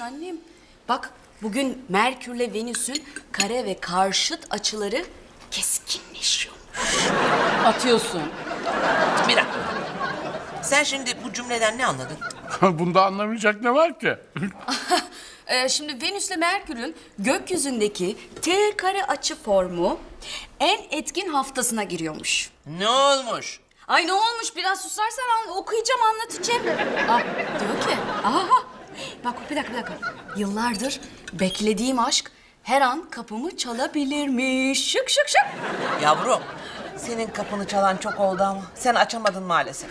annem. Bak bugün Merkürle Venüs'ün kare ve karşıt açıları keskinleşiyormuş. Atıyorsun. Bir dakika. Sen şimdi bu cümleden ne anladın? Bunda anlamayacak ne var ki? Şimdi Venüs'le Merkür'ün gökyüzündeki T kare açı formu en etkin haftasına giriyormuş. Ne olmuş? Ay ne olmuş? Biraz susarsan okuyacağım, anlatacağım. Ah, diyor ki, aha, bak bir dakika. Yıllardır beklediğim aşk her an kapımı çalabilirmiş. Şık. Yavrum, senin kapını çalan çok oldu ama sen açamadın maalesef.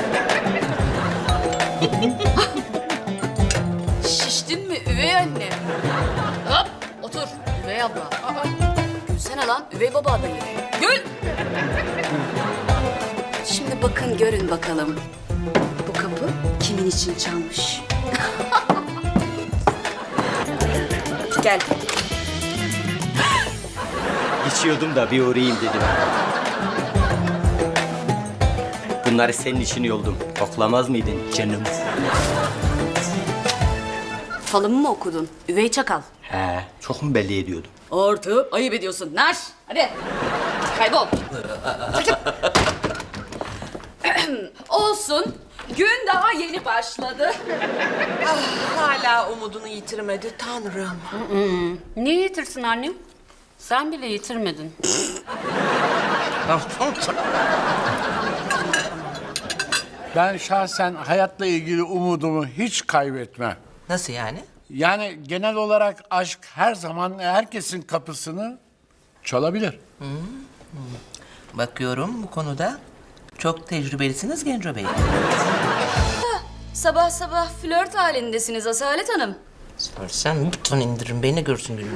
Şiştin mi üvey anne? Hop, otur üvey abla. Aa, gülsene lan üvey baba adayı. Gül! Şimdi bakın görün bakalım. Bu kapı kimin için çalmış? Gel. Geçiyordum da bir uğrayayım dedim. Bunları senin için yoldum. Oklamaz mıydın canım? Falımı mı okudun? Üvey çakal. He, çok mu belli ediyordum? Ortu, ayıp ediyorsun. Nar, hadi. Kaybol. Çekil. Olsun. Gün daha yeni başladı. Hala umudunu yitirmedi Tanrım. Niye yitirsin annem? Sen bile yitirmedin. Ben şahsen hayatla ilgili umudumu hiç kaybetmem. Nasıl yani? Yani genel olarak aşk her zaman herkesin kapısını çalabilir. Bakıyorum bu konuda çok tecrübelisiniz Genco Bey. Sabah sabah flört halindesiniz Asalet Hanım. Sorsan buton indirin beni görsün gününü.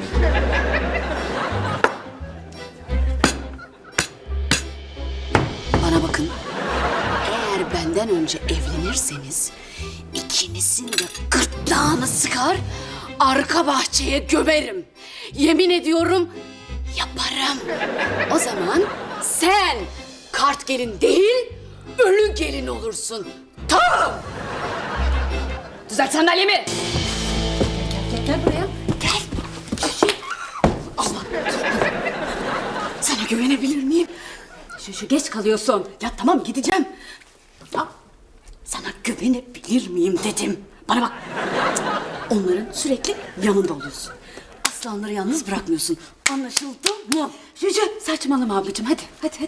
Bana bakın. Eğer benden önce evlenirseniz ikinizin de gırtlağını sıkar, arka bahçeye gömerim. Yemin ediyorum yaparım. O zaman sen kart gelin değil, ölü gelin olursun. Tamam. Düzelt sandalyemi. Gel buraya. Gel. Allah. Sana güvenebilir miyim? Şu geç kalıyorsun. Ya tamam gideceğim. Ya, sana güvenebilir miyim dedim. Bana bak. Onların sürekli yanında oluyorsun. Aslanları yalnız bırakmıyorsun. Anlaşıldı mı? Şu saçmalama ablacığım. Hadi.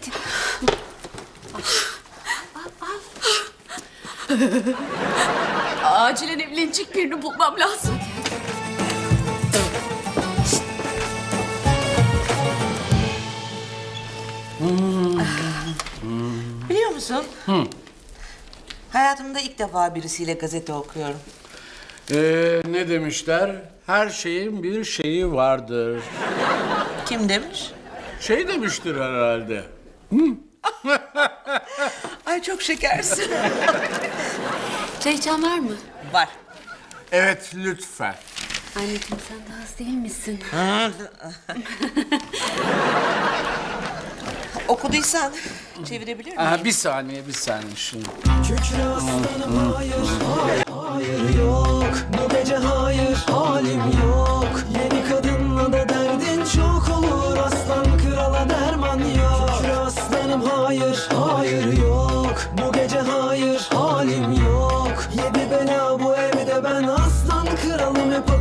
Acilen evlenecek birini bulmam lazım. Biliyor musun? Hayatımda ilk defa birisiyle gazete okuyorum. Ne demişler? Her şeyin bir şeyi vardır. Kim demiş? Şey demiştir herhalde. Ay çok şekersin. Çay içen var mı? Var. Evet lütfen. Anneciğim sen de az değil misin? Okuduysan çevirebilir miyim? Bir saniye şunu. Kükre aslanım hayır yok. Bu gece hayır halim yok. Yeni kadınla da derdin çok olur. Aslan krala derman yok. Kükre aslanım hayır yok. Bu gece hayır halim yok. Yedi bela bu evde ben aslan kralım hep